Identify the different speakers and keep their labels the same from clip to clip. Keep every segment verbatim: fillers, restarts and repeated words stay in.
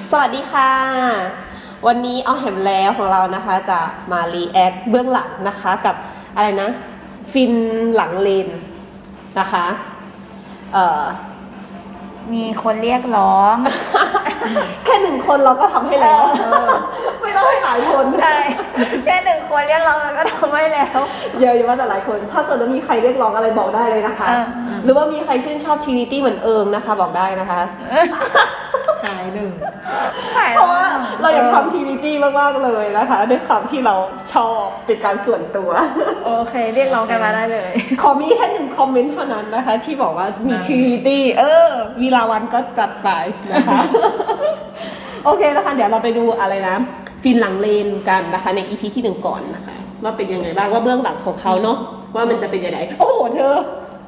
Speaker 1: สวัสดีค่ะวันนี้เอาแหมแล้วของเรานะคะจะมารีแอคเบื้องหลังนะคะกับอะไรนะฟินหลังเลนนะคะเอ่อ
Speaker 2: มีคนเรียกร้อง
Speaker 1: แค่หนึ่งคนเราก็ทำให้แล้วไม่ต้องให้หลายคน
Speaker 2: ใช่แค่หนึ่งคนเรียกร้องเราก็ทำให้แล้ว
Speaker 1: เยอะอยู่ว่าแต่หลายคนถ้าเกิดว่ามีใครเรียกร้องอะไรบอกได้เลยนะคะหรือว่ามีใครชื่นชอบ Trinity เหมือนเอิงนะคะบอกได้นะคะ
Speaker 3: ขายหนึ่ง
Speaker 1: เพราะว่าเราอยากทำ Trinity มากๆเลยนะคะด้วยความที่เราชอบเป็นการส่วนตัว
Speaker 2: โอเคเรียกร้องกันมาได้เลย
Speaker 1: ขอมีแค่หนึ่งคอมเมนต์เท่านั้นนะคะที่บอกว่ามี Trinity เออวีลาวันก็จัดไปนะคะโอเคนะคะเดี๋ยวเราไปดูอะไรนะฟินหลังเลนกันนะคะใน อี พี ที่หนึ่งก่อนนะคะว่าเป็นยังไงบ้างว่าเบื้องหลังของเขาเนาะว่ามันจะเป็นยังไงโอ้โหเธอ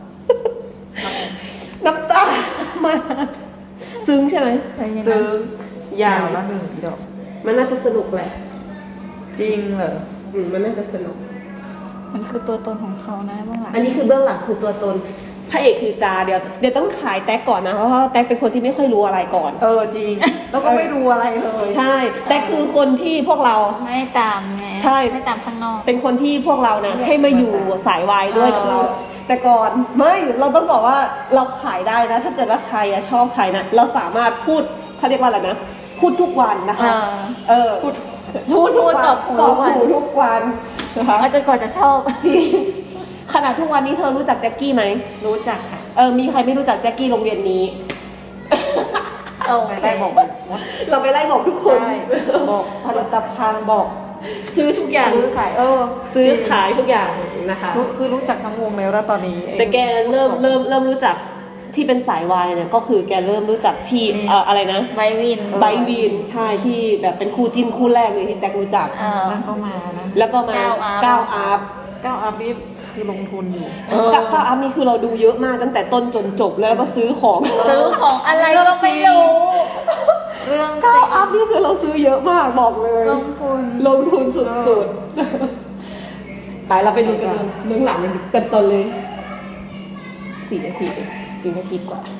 Speaker 1: น้ำตามาซึ้งใช่ไหมซึ้ง
Speaker 3: ยาวละหนึ่งดอก
Speaker 1: มันน่าจะสนุกแหละ
Speaker 3: จริงเหรอ
Speaker 1: อืมมันน่าจะสนุก
Speaker 2: มันคือตัวตนของเขานะเบื้องหลัง
Speaker 1: อันนี้คือเบื้องหลังคือตัวตนพระเอกคือจาเดี๋ยวเดี๋ยวต้องขายแท็กก่อนนะเพราะว่าแท็กเป็นคนที่ไม่ค่อยรู้อะไรก่อน
Speaker 3: เออจริงแล้วก็ไม่รู้อะไรเลย
Speaker 1: ใช่แท็กคือคนที่พวกเรา
Speaker 2: ไม่ตามไง
Speaker 1: ใช่
Speaker 2: ไม่ตามข้างนอก
Speaker 1: เป็นคนที่พวกเรานะให้มาอยู่สายวายด้วยกับเราแต่ก่อนไม่เราต้องบอกว่าเราขายได้นะถ้าเกิดว่าใครอะชอบใครนะเราสามารถพูดเขาเรียกว่าอะไรนะพูดทุกวันนะคะเออพูดพูดทุกวันกอบหูทุกวันนะคะ
Speaker 2: จนกว่าจะชอบ
Speaker 1: จริงขนาดทุกวันนี้เธอรู้จักแจ็คกี้ไหม
Speaker 3: รู้จักค่ะ
Speaker 1: เออมีใครไม่รู้จักแจ็คกี้โรงเรียนนี้
Speaker 3: เราไปไล่บอก
Speaker 1: เราไปไล่บอกทุกคน
Speaker 3: บอกผลิตภัณฑ์บอก
Speaker 1: ซื้อทุกอย่าง
Speaker 3: ซื้อขายเออ
Speaker 1: ซื้อขายทุกอย่างนะคะ
Speaker 3: คือรู้จักทั้งวงแล้วแล้วตอนนี้
Speaker 1: แต่แกเริ่มเริ่มเริ่มรู้จักที่เป็นสายวายเนี่ยก็คือแกเริ่มรู้จักที่เอ่ออะไรนะ
Speaker 2: ไบวิน
Speaker 1: ไบวินใช่ที่แบบเป็นคู่จิ้นคู่แรกเลยที่แตกรู้จัก
Speaker 3: แล้วก็มานะ
Speaker 1: แล้วก็มาก้าวอัพ
Speaker 3: ก้าวอัพนี่คือลงทุนอยู่
Speaker 1: ก้าวอัพนี่คือเราดูเยอะมากตั้งแต่ต้นจนจบแล้วก็ซื้อของ
Speaker 2: ซื้อของอะไรก็ไม่รู้
Speaker 1: เรื่องก้าวอัพนี่คือเราซื้อเยอะมากบอกเลย
Speaker 2: ลงทุน
Speaker 1: ลงทุนสุดๆไปเราไปดูกันเรื่องหลังกันตอนเลยสี่นาทีสี่นาทีกว่า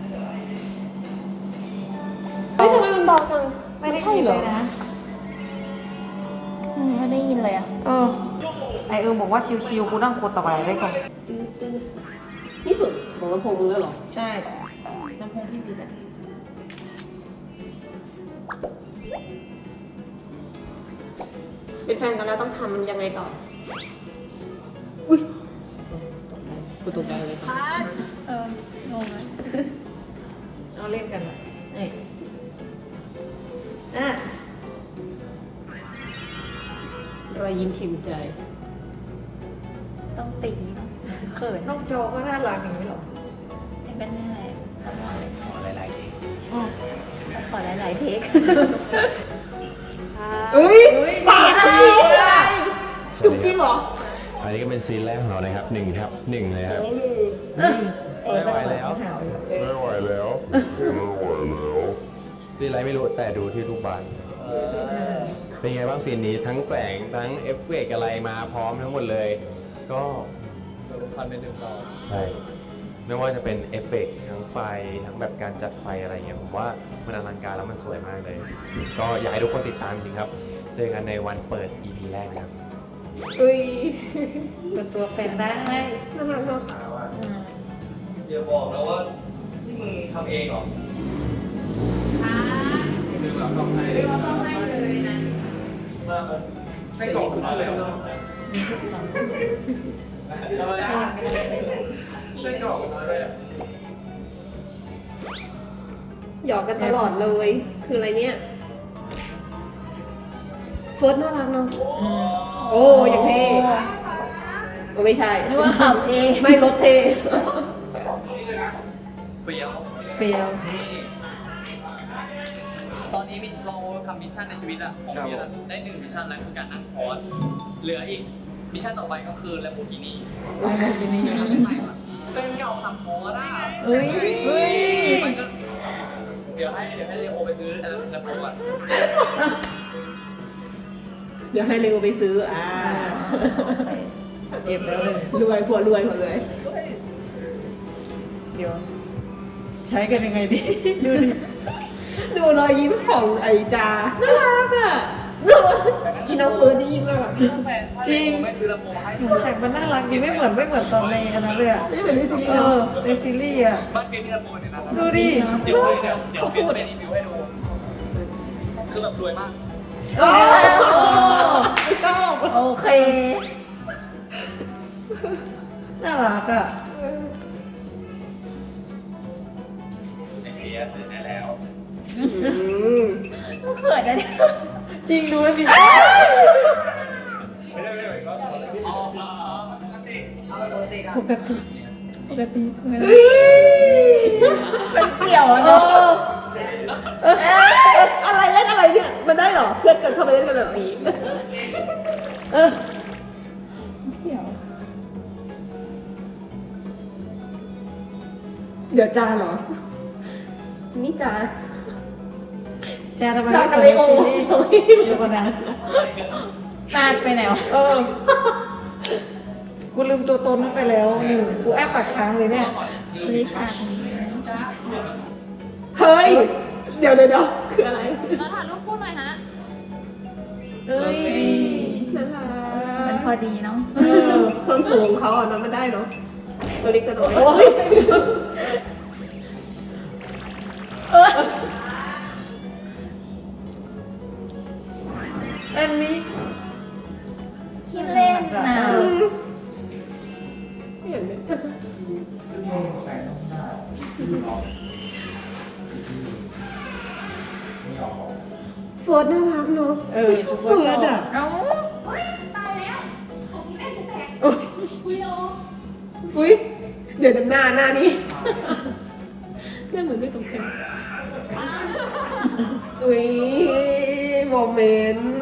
Speaker 1: เฮ้ยทำไมมันเบาจัง
Speaker 3: ไม่ได้ยินเลยนะ
Speaker 2: ไม่ได้ยินเลยอ่ะ
Speaker 3: เออไอเออบอกว่าชิวๆกูนั่งโคตรต่อไปได้ก่อน
Speaker 1: นี่สุดของลำโพงมึงแล้วหรอ
Speaker 3: ใช่ลำโพงพี่บีอ่ะ
Speaker 1: เป็นแฟนกันแล้วต้องทำยังไงต่ออุ้ยตกใจกูตกใจเลยค่ะ
Speaker 2: เอองงไหม
Speaker 3: เอาเล่นกันเลยเอ้ยอ่ะ
Speaker 1: รอยยิ้มพิมพ์ใจ
Speaker 2: ต้องติ่งเนาะเขิน
Speaker 3: น้องโจก็น่ารักอย่างนี้หรอ
Speaker 2: เป็นยังไง
Speaker 4: ขอหลายๆเทค
Speaker 2: ขอหลายๆเทค
Speaker 1: เฮ้ยปากจริงจุ๊บจริงเหรอ
Speaker 4: อันนี้ก็เป็นซีนแรกของเรานะครับหนึ่งครับหนึ่งเลยครับ
Speaker 3: ไม่ไหวแล้ว
Speaker 4: ไม่ไหวแล้วไม่ไหวแล้วซีนอะไรไม่รู้แต่ดูที่รูปบานเป็นไงบ้างซีนนี้ทั้งแสงทั้งเอฟเฟกต์อะไรมาพร้อมทั้งหมดเลยก็
Speaker 5: ตัวพันเป็นหนึ่งต่อ
Speaker 4: ใช่ไม่ว่าจะเป็นเอฟเฟกต์ทั้งไฟทั้งแบบการจัดไฟอะไรเงี้ยผมว่ามันอลังการแล้วมันสวยมากเลยก็อยากให้ทุกคนติดตามจริงครับเจอกันในวันเปิด อี พี แรกครับ
Speaker 1: อุ้ย
Speaker 3: เป็นตัวเป็นได้
Speaker 1: น่ารักเนาะ
Speaker 5: อย่าบอกนะว่าที่มึงทำเองเหรอค่ะคือแบบทำให้เลยทำให้เลยนะมาให้กล่องมาแล้วทำไมอ่ะให้กล่องมาเลย
Speaker 1: หยอกกันตลอดเลยคืออะไรเนี่ยเฟิร์สน่ารักเนาะโอ้ยังเท่โอ้ไม่ใช่
Speaker 2: นึกว่าขับเอง
Speaker 1: ไม่รถเท่
Speaker 5: เปรี้ยว
Speaker 3: เปรี้ยว
Speaker 5: ตอนนี้เราทำมิชชั่นในชีวิตอะของพี่อะได้หนึ่งมิชชั่นแล้วคือการนั่งคอร์สเหลืออีกมิชชั่นต่อไปก็คือแลมโบกินี่
Speaker 3: แลมโบกินี่
Speaker 5: เป็นเก่าทำคอร์สอะ
Speaker 3: เฮ้ย
Speaker 5: มันก็เดี๋ยวให้เดี๋ยวให้เลโอไปซื้อแลมโบก่อน
Speaker 1: เดี๋ยวให้เลโอไปซื้ออ่า
Speaker 3: เก็บแล้วเลย
Speaker 1: รวยผัวรวยหมดเลย
Speaker 3: เดี๋ยวใช้กันยังไงดีดูดิ
Speaker 1: ดูรอยยิ้มของไอจาน่ารักอ่ะอีน้องเฟิร์นนี่ยิ้มน่ารัก
Speaker 3: จริง
Speaker 5: ไม่ซื้อลำโพงให้
Speaker 3: หนูแฉกมันน่ารักดีไม่เหมือนไม่เหมือนตอนในอันนั้นเลยอะ
Speaker 1: ไม่เหมือนในซีรี
Speaker 3: เอ
Speaker 1: ส์
Speaker 3: อในซีรีส์อะ
Speaker 5: บ้านเฟียนมีลำโพงในนั้น
Speaker 3: ดูดิ
Speaker 5: เดี๋ยวเดี๋ยวเดี๋ยวเฟียนไปรีวิวให้ดูคือแบบรวยมาก
Speaker 3: โอ้
Speaker 1: ชอบ
Speaker 2: โอเค
Speaker 3: น่ารักอะ
Speaker 5: ไอเฟียนซื้อได้แล้ว
Speaker 2: เขินนะเนี่ย
Speaker 3: จริงดูแล้วดิ
Speaker 5: ไม่ได้ไม่ได้ก็อ๋อปกติปกติ
Speaker 3: ปกติ
Speaker 2: ปกติเป็นเสี่ยวอะ
Speaker 3: เอ
Speaker 2: เนาะ
Speaker 3: อ
Speaker 1: อะไรเล่นอะไรเนี่ยมันได้เหรอเพื่อนกันเข้าไปเล่นกันแบบนี้
Speaker 3: เออ
Speaker 2: เสี่ยว
Speaker 1: เดี๋ยวจาเหรอนี่จา
Speaker 3: แจทำไม
Speaker 1: จา
Speaker 3: ไม่
Speaker 1: กับ
Speaker 3: เปิด
Speaker 1: เล
Speaker 3: ใน
Speaker 1: โอ
Speaker 3: ซีรีส์เดี๋ยวก่อนนะ
Speaker 2: นาดไปไหนวะ
Speaker 3: เออ กูลืมตัวตนนั้นไปแล้วหนึ่งกูแอบปากค้างเลยเนี่ย
Speaker 2: ลิชา
Speaker 1: เฮ้ยเดี๋ยวเดี๋ยวเดี๋ยวคืออะไร
Speaker 2: เราถ่ายรูปคู่หน่อยฮะ
Speaker 3: เอ้ย
Speaker 1: น่ารั
Speaker 2: มัน
Speaker 1: ก
Speaker 2: พอดีเนาะ
Speaker 1: เออความสูงของเขาอ่ะเนอะมันได้เนาะตัวเล็กตัวน้อย
Speaker 3: โอ้ยอันนี้
Speaker 2: ขี้เล่นนะ
Speaker 1: ไม่เห็นเลยโฟร์ดน่ารักเนาะ
Speaker 3: เออ
Speaker 1: ชอบ
Speaker 3: กู
Speaker 1: โฟ
Speaker 3: ก็
Speaker 1: ร์
Speaker 3: ชอ
Speaker 1: ด
Speaker 3: บ
Speaker 1: อ่ะ
Speaker 2: เอ้า
Speaker 1: อุ้ยเดี๋ยวหน้าหน้านี้หน้าเหมือนไม่ตรงกันอุ้ยโมเมนต์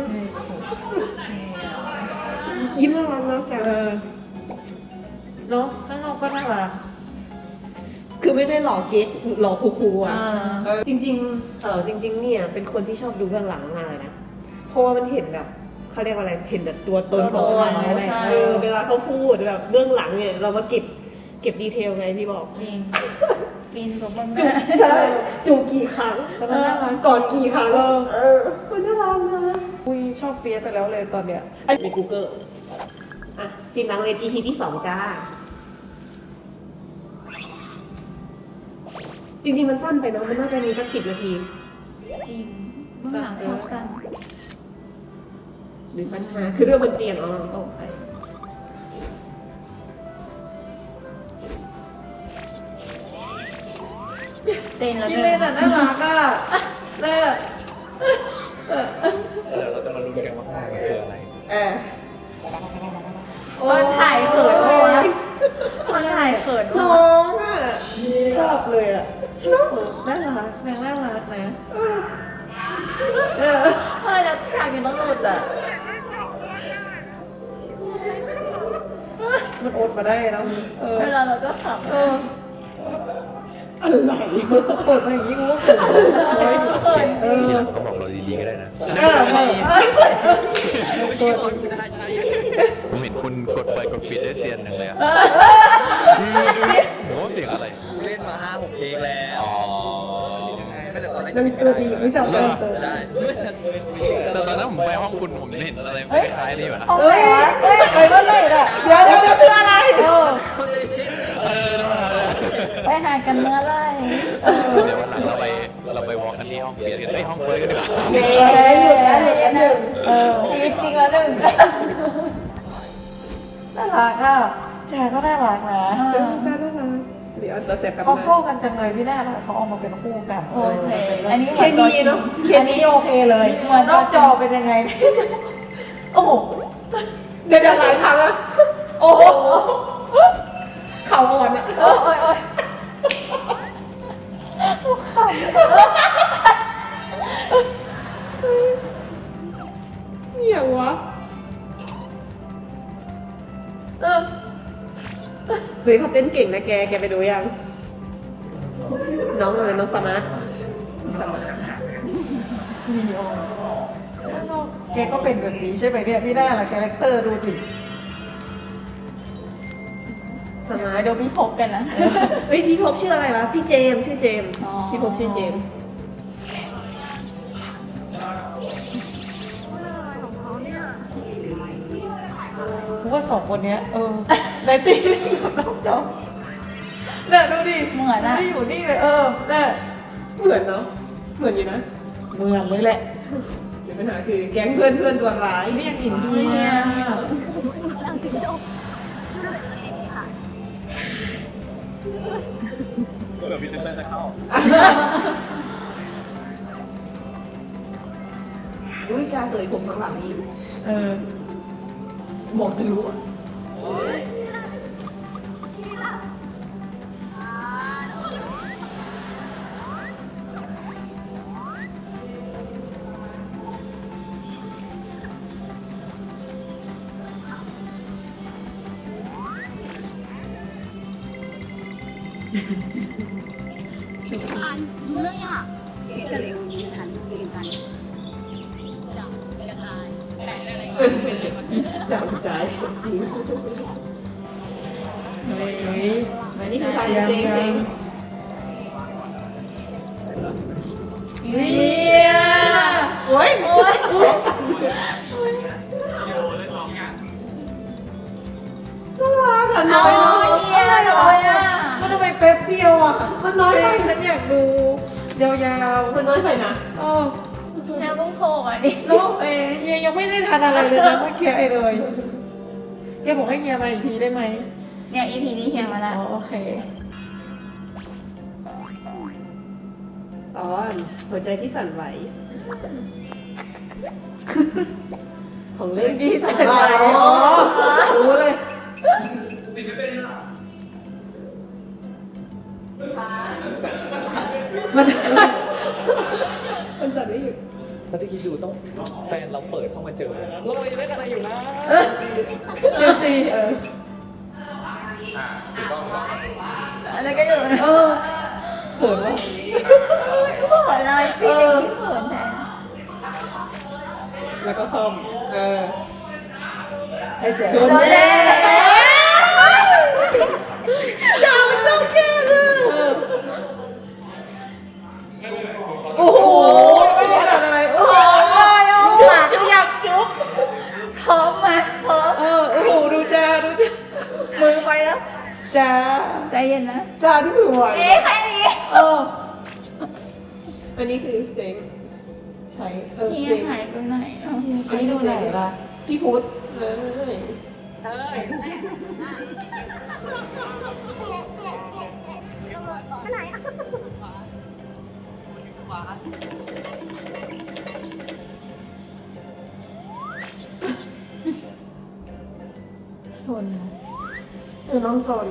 Speaker 1: ยิ้มน่ารักนะจ๊ะ
Speaker 3: เออเนาะข้างนอกก็น่ารัก
Speaker 1: คือไม่ได้หล่อเก๊กหล่อคูลๆ
Speaker 2: เอ
Speaker 1: อ่ะ
Speaker 2: อ
Speaker 1: จริงๆเออจริง ๆ เนี่ยเป็นคนที่ชอบดูเบื้องหลังมากเลยนะ เพราะว่ามันเห็นแบบเขาเรียกว่าอะไร เห็นแบบตัวตนของเขา
Speaker 2: ตัวตน
Speaker 1: อะไร
Speaker 2: ใช่
Speaker 1: เออเวลาเขาพูดแบบเบื้องหลังเนี่ยเรามาเก็บเก็บดีเทลไงพี่บอก
Speaker 2: จริง ฟินตัวเบิ้ง
Speaker 1: จูใช่จูกี่ครั้งแล้วมันน่ารักก่อนกี่ครั้งเออมันน่ารักนะ
Speaker 3: อุ้ยชอบเฟียสไปแล้วเลยตอนเนี้ย
Speaker 1: อันใน Google อ่ะฟินนังเลน อี พี ที่สองจ้า จริง ๆ มันสั้นไปเนาะมันน่าจะมีสักสิบนาที
Speaker 2: จริงเบื้องหลังชอบสั้น
Speaker 1: หรือปัญหาคือเรื่องบนเตียงอ๋อ
Speaker 2: ตกไปเต้นแล้ว
Speaker 3: ที่
Speaker 2: เดิ
Speaker 3: เล่นอ่ะน่ารักอ่ะน่า
Speaker 5: เดี๋ยวเราจะมาดูกันว่าข้างในมันคืออะไร
Speaker 1: เออ
Speaker 2: มันถ่ายเขินโอ้ยมันถ่ายเขิน
Speaker 1: น้
Speaker 2: โอ้
Speaker 1: องอ่ะ
Speaker 3: ชอบเลยอ่ะชอบน่ารักนางน่ารักนะเออ
Speaker 2: เออแล้วฉากนี้ต้องหลุดอ่ะ
Speaker 3: มันอดมาได้เนาะเออ
Speaker 2: เวลาเราก็ขำ
Speaker 3: เออ
Speaker 1: อะไร
Speaker 3: มันเปิดมาอย่างนี้กูก็เขินเลยเออ
Speaker 4: ทีหลังเขาบอกเราดีๆก็ได้นะ
Speaker 3: เออเออ
Speaker 4: ผมเห็นคุณกดไปกดปิดได้เซียนหนึ่งเลยอะผมว่าเสียงอะไร
Speaker 5: เล่นมาห้าหกเพลงแล้ว
Speaker 4: อ๋อ
Speaker 5: ไม่แต่ตอนแรก
Speaker 1: นางตัวดีไม่ชอบ
Speaker 3: เอ
Speaker 1: เติ
Speaker 3: อ
Speaker 1: ม
Speaker 5: ใช่
Speaker 4: แต่ตอนนั้นผมไปห้องคุณผมเห็นอะไรคล้ายๆนี่อยู่นะ
Speaker 3: เฮ้ยเฮ้ยไปเมื่อไหร่อ่ะ
Speaker 1: เดี๋ยวเดี๋ยวเดี๋ยวคืออะไร
Speaker 3: เออ
Speaker 4: เออ
Speaker 2: ไปหากันเมื่อไร
Speaker 4: เดี๋ยววันหลังเราไปเราไปวอล์กกันที่ห้องเฟียสกันเอ้ยห้องเฟิร์สกันดีกว่า
Speaker 2: เย้อยู่แล้วเลยหนึ่ง
Speaker 3: เออ
Speaker 2: ชีวิตจริงแล้วหนึ่ง
Speaker 3: น่ารักอ่ะแจก็น่ารักนะ
Speaker 1: จะมีจ้าด้วยนะเดี๋ยวตัวเสร็จกลับ
Speaker 3: เขา
Speaker 1: มา
Speaker 3: เข้ากันจังเลยพี่แน่นะเขาเอามาเป็นคู่กัน
Speaker 2: โอเคอันนี้
Speaker 1: เคมีเนาะเค
Speaker 3: อัน
Speaker 1: มี
Speaker 3: นี้โอเคเลยนอกจอเป็นยังไงโอ้โห
Speaker 1: เดี๋ยวเดี๋ยวหลายครั้งอะโอ้โหเข่าอ่อนอะ
Speaker 2: โอ้ยโอ้ยโอ้ย
Speaker 1: อย่างวะ
Speaker 3: เออ
Speaker 1: เฮ้ยเขาเต้นเก่งนะแก แกไปดูยัง น้องอะไรน้องสมาร์ทสมาร์ท
Speaker 3: มีโอแกก็เป็นแบบนี้ใช่ไหมเนี่ยพี่แน่ละคาแรคเตอร์ดูสิ
Speaker 1: สมาร์ท
Speaker 2: เดี๋ยวพี่พบกันนะ
Speaker 1: เฮ้ยพี่พบชื่ออะไรวะ พี่เจมส์ชื่อเจมส์
Speaker 2: อ๋อ
Speaker 1: พี่พบชื่อเจมส์
Speaker 3: ว่าสองคนเนี้ยเออในซีรีส์กับน้องจอมเนี่ยดูดิ
Speaker 2: เหมือนอะ
Speaker 3: ไม่อยู่นี่เลยเออเนี่ย
Speaker 1: เหมือนเนาะเหมือนอยู่นะ
Speaker 3: เหมือนเลยแหละ
Speaker 1: เดี๋ยวปัญหาคือแก๊งเพื่อนเพื่อนตัวร้าย
Speaker 3: นี่ยังอินเดีย
Speaker 5: ก็แบบพิเศษจะเข้า
Speaker 1: อุ้ยจ่าเสยผมข้างหลังนี่
Speaker 3: เออ
Speaker 1: บอกจะรู้
Speaker 2: เรื่องอ่ะกระเร็วนี้ทันเป็นกันจับกระจายแต่อะไร
Speaker 1: จับใจจริง
Speaker 3: เฮ้ย
Speaker 1: อันนี้คือการเซ็งเซ็ง
Speaker 3: เฮีย
Speaker 1: โอ้ยโอ้ยน่ารักอะน้อยน้อย
Speaker 2: เยี่ยเลยอ่ะ
Speaker 3: มันทำไมแป๊บเดียวอ่ะ
Speaker 1: มันน้อยไป
Speaker 3: ฉันอยากดูยาว
Speaker 1: มันน้อยไปนะ
Speaker 3: ๆเออ
Speaker 2: แค่ต้องโผล่อ่ะดิ
Speaker 3: แล้วเอ้ยเฮียยังไม่ได้ทานอะไรเลยนะเมื่อกี้ไอ้เลยเฮียบอกให้เฮียมาอีกทีได้ไหม
Speaker 2: เนี่ย อี พี นี้เฮียมา
Speaker 3: อ๋
Speaker 2: ละ
Speaker 3: อโอเค
Speaker 1: ตอนหัวใจที่สั่นไหว ของเล่นที่สั่นไหว
Speaker 3: อ๋อรู้เลย มัน
Speaker 1: มันสั่นไม่หยุด
Speaker 5: ถ้าที่คิดดูต้องแฟนเราเปิดเข้ามาเจอแล้วเราจะได้อะไรอยู่นะ
Speaker 3: เซลซีเออ
Speaker 2: อะไรก็อยู่
Speaker 3: เออเขินวะ
Speaker 2: เขินเลยพี่เด็กที่เขินแทน
Speaker 1: แล้วก็คอมเออ
Speaker 3: ให้เจ๊
Speaker 1: โดนแย่อย่ามันจ้องแก้เลยโอ้โห
Speaker 3: ไม่ได้ทำอะไรโอ้โหปากก็อยากจุ๊บ
Speaker 2: พร้อมมาพร้อม
Speaker 3: เออโอ้โหดูจ้าดูจ้า
Speaker 2: มือไปแล้ว
Speaker 3: จ้า
Speaker 2: ใจเย็นนะ
Speaker 1: จ้าที่มือไหว
Speaker 2: เอ๊ะใครดี
Speaker 3: เออ
Speaker 1: อันนี้คือเซ็งใช้เออ
Speaker 2: เฮีย
Speaker 1: เซ็ง
Speaker 2: หายไปไหนอ่ะ
Speaker 3: ใช้ดูไหนล่ะ
Speaker 1: พี่พุทธเออ
Speaker 2: สน
Speaker 1: เออน้องสน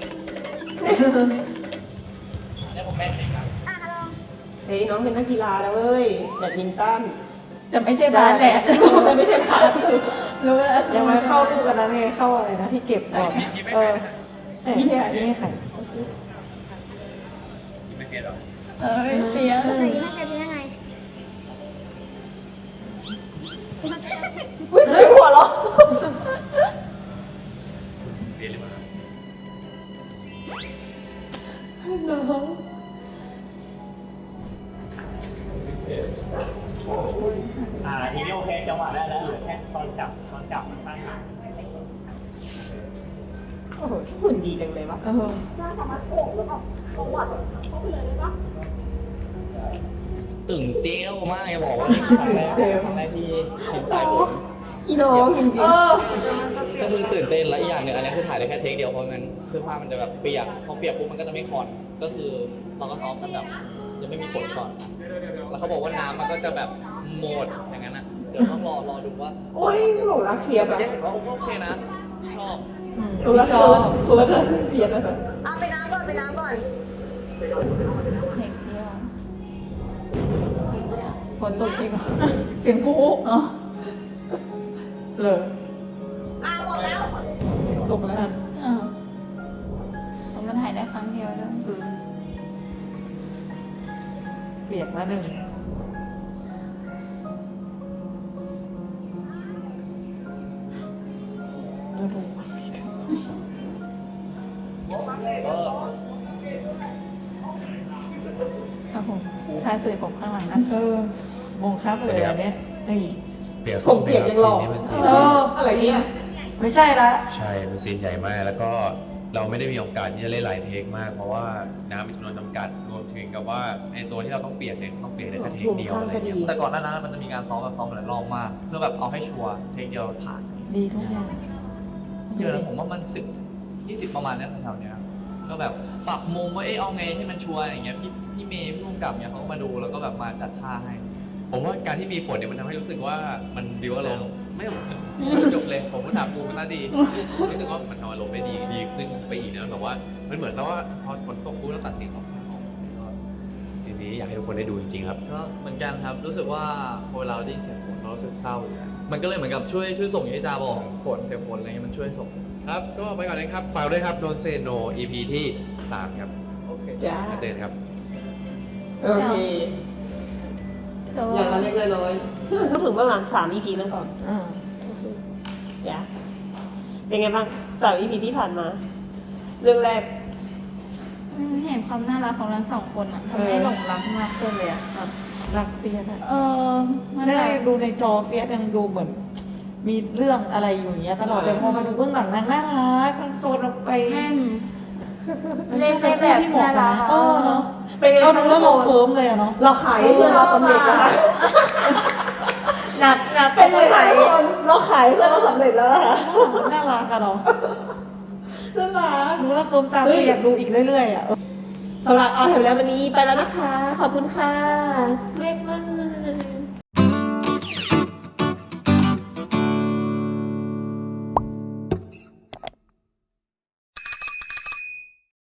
Speaker 5: เนี่ยผมแม่สิครับ
Speaker 1: เฮ้ยน้องเป็นนักกีฬาแล้วเว้ยแบดมินตัน
Speaker 2: แต่ไม่ใช่บ้านแหละ
Speaker 1: แต่ไม่ใช่พาร์ท
Speaker 2: รู้แล้ว
Speaker 3: ยังไม่เข้าลูกกันนะไงเข้าอะไรนะที่เก็บก่อนเออเอ๊ะยี่ไม่ไข่
Speaker 5: ไม่เปลี่ยนหรอ
Speaker 2: เออเสีย
Speaker 1: อุ้ยเสียงหัวเราะ
Speaker 5: เปลี่ยนหรือเปล่า
Speaker 1: น้อง
Speaker 5: อ่าทีนี้โอเคจังหวะได้แล้วเหลือแค่ตอนจับตอนจับตั้งหาง
Speaker 1: โอ้โหหุ่นดีจังเลยวะ
Speaker 3: เออ
Speaker 5: ตึงเจี้ยวมากจะบอกว่านี่ครั้งแรกครั้งแรกที่เห็นสายฝน
Speaker 1: อีน้องจริง
Speaker 3: เออ
Speaker 5: ก็คือตื่นเต้นและอีกอย่างหนึ่งอันนี้คือถ่ายได้แค่เทคเดียวเพราะงั้นเสื้อผ้ามันจะแบบเปียกพอเปียกปุ๊บมันก็จะไม่คอนก็คือเราก็ซ้อมกันแบบยังไม่มีฝนก่อน แล้วเขาบอกว่าน้ำมันก็จะแบบหมดอย่างนั้นนะเดี๋ยวต้องรอรอดูว่า
Speaker 1: ๆโอ้ยหลงรักเฟียส
Speaker 5: แต่
Speaker 1: อะ
Speaker 5: เห็นว่าโอเคนะชอบ
Speaker 1: หลงรักเฟิร์สเฟิร์สอะเฟียสอะ
Speaker 2: เอาไปน้ำก่อนไปน้ำก่อนเด็กเดียวฝนตกจริงเหรอ
Speaker 3: เสียงผู้
Speaker 2: อ๋อ
Speaker 3: เลย
Speaker 1: ตกแล้ว
Speaker 3: อ่ะ
Speaker 2: เออมันถ่ายได้ครั้งเดียวด้วย
Speaker 3: เปียกมาหนึ่งแล้วดู
Speaker 5: เออ
Speaker 2: ครับผมถ่ายสื่อผมข้างหลังนั้น
Speaker 3: เออมงครับเลยอันเนี้ยไอ้
Speaker 4: เปลี่ยน
Speaker 1: ส่งเสียงยังหล่อ
Speaker 3: เออ
Speaker 1: อะไรเนี่ย
Speaker 3: เไม่ใช่ละ
Speaker 4: ใช่เป็นซีนใหญ่มากแล้วก็เราไม่ได้มีโอกาสที่จะเล่นหลายเทคมาก เพราะว่าน้ำมีจำนวนจำกัดรวมถึงกับว่าไอตัวที่เราต้องเปลี่ยนเนี่ยต้องเปลี่ยนในแค่เทคเดียวอะไรเงี้ย
Speaker 5: แต่ก่อนหน้านั้นมันจะมีการซ้อมแบบซ้อมหลายรอบมาก เพื่อแบบเอาให้ชัวร์เทคเดียวผ่าน
Speaker 3: ดีทุกอย่าง
Speaker 5: เดือนละผมว่ามันสิบยี่สิบประมาณนี้แถวๆเนี้ยก็แบบปรับมุมว่าเอ๊ะเอาไงให้มันชัวร์อย่างเงี้ยพี่พี่เมย์พี่ลุงกับเนี่ยเขาก็มาดูแล้วก็แบบมาจัดท่าให้
Speaker 4: ผมว่าการที่มีฝนเนี่ยมันทำให้รู้สึกว่ามันดิวอารมณ์ไม่จบเลย ผมก็ถามปูมันน่าดีรู้สึกว่ามันทำอารมณ์ได้ดีดีขึ้นไปอีกนะแบบว่ามันเหมือนกับว่าพอฝนตกปุ๊บแล้วตัดเสียงออกเสียงออกก็ซีนนี้อยากให้ทุกคนได้ดูจริงๆครับ
Speaker 5: ก็เหมือนกันครับรู้สึกว่าพอเวลาเราได้ยินเสียงฝนเรารู้สึกเศร้าอยู่แล้วมันก็เลยเหมือนกับช่วยช่วยส่งอย่างที่จาบอกฝนเสียงฝนอะไรเงี้ยมันช่วยส่ง
Speaker 4: ครับ ก็ไปก่อนนะครับฝากด้วยครับโดนเซโน อี พี ที่สามครับ
Speaker 5: โอเค
Speaker 1: จ้า
Speaker 4: ชัดเจนครับ
Speaker 1: โอเคอย่างละเล็กละน้อยพูดถึงเบื้องหลังสาม อี พีแล้วก่อน
Speaker 3: อ่า
Speaker 1: จ้ะเป็นไงบ้างสาม อี พีที่ผ่านมา เรื่องแรก
Speaker 2: อืมเห็นความน่ารักของทั้งสองคนอ่ะทำให้หลงรักมากขึ้นเลยอ่ะแบบ
Speaker 3: รักเฟียสอะ
Speaker 2: เออมัน
Speaker 3: ได้
Speaker 2: แบบ
Speaker 3: ดูในจอเฟียสยังดูเหมือน มีเรื่องอะไรอยู่อย่างเงี้ยตลอดแต่พอมาดูเบื้องหลังนางน่ารักมันโซนออกไป
Speaker 2: แม่น
Speaker 3: มัน
Speaker 2: เล่น
Speaker 3: เป็
Speaker 2: ได้
Speaker 3: น
Speaker 2: แบบ
Speaker 3: ที่เหมาะ
Speaker 2: น่า
Speaker 3: กัน
Speaker 2: รัก
Speaker 3: นะเออเนาะ
Speaker 1: เป็นไง
Speaker 3: เราดูแล้วเราเคิร์มเลยอะเนาะ
Speaker 1: เราขายให้เพื่อนเราสำเร็จแล้วนะ
Speaker 2: หนักหนัก
Speaker 1: เป็นไงคะทุกคนเราขายให้เพื่อนเราสำเร็จแล้วนะคะ
Speaker 3: มันน่ารักอะเนาะ
Speaker 1: น่ารัก
Speaker 3: ดูแล้วเคิร์มตามเลยอยากดูอีกเรื่อยๆอะเออ
Speaker 1: สำหรับเอาแถวแล้ววันนี้ไปแล้วนะคะ ขอบคุณค่ะเล็กมาก